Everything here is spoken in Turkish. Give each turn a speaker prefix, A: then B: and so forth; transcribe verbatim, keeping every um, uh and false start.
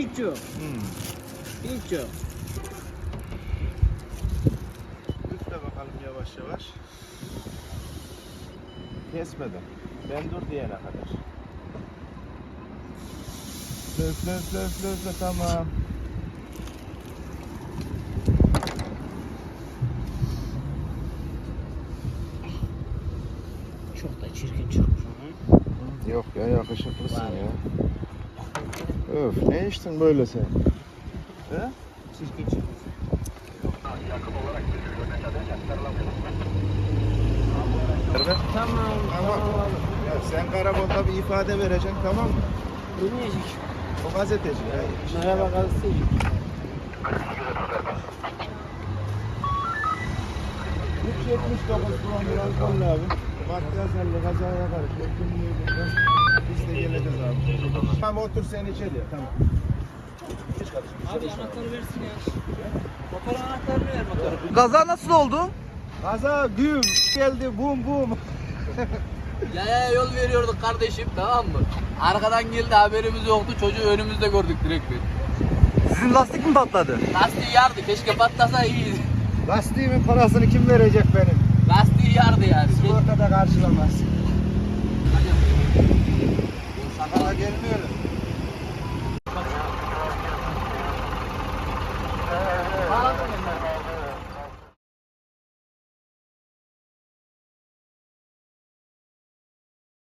A: Hiç yok.
B: Hmm.
A: Hiç yok.
B: Üfle bakalım yavaş yavaş. Kesmeden. Ben dur diyene kadar. Üfle üfle üfle üfle üfle tamam.
A: Çok da çirkin çıkmış.
B: Yok ya yakışıklısın ya. Öf ne içtin böyle sen? He?
A: Çirkin çıkmış. Tamam.
B: Ama ya sen karakolda bir ifade vereceksin tamam mı?
A: Bilmeyecek.
B: O gazeteci ya.
A: Merhaba gazeteci.
B: üç yetmiş dokuz promil alkollü abi. Makyajlarla kazaya karışıyor. Kimliğinden biz de geleceğiz abi. Tamam otur sen içeri. Tamam. Geç kardeşim.
A: Abi anahtarı versin ya. Motor anahtarını ver motoru.
C: Kaza nasıl oldu?
B: Kaza güm geldi bum bum.
D: Yaya yol veriyorduk kardeşim, tamam mı? Arkadan geldi, haberimiz yoktu, çocuğu önümüzde gördük direkt bir.
C: Sizin lastik mi patladı?
D: Lastiği yardı, keşke patlasa iyiydi.
B: Lastiğimin parasını kim verecek benim?
D: Lastiği yardı yani.
B: Sigorta da karşılamaz.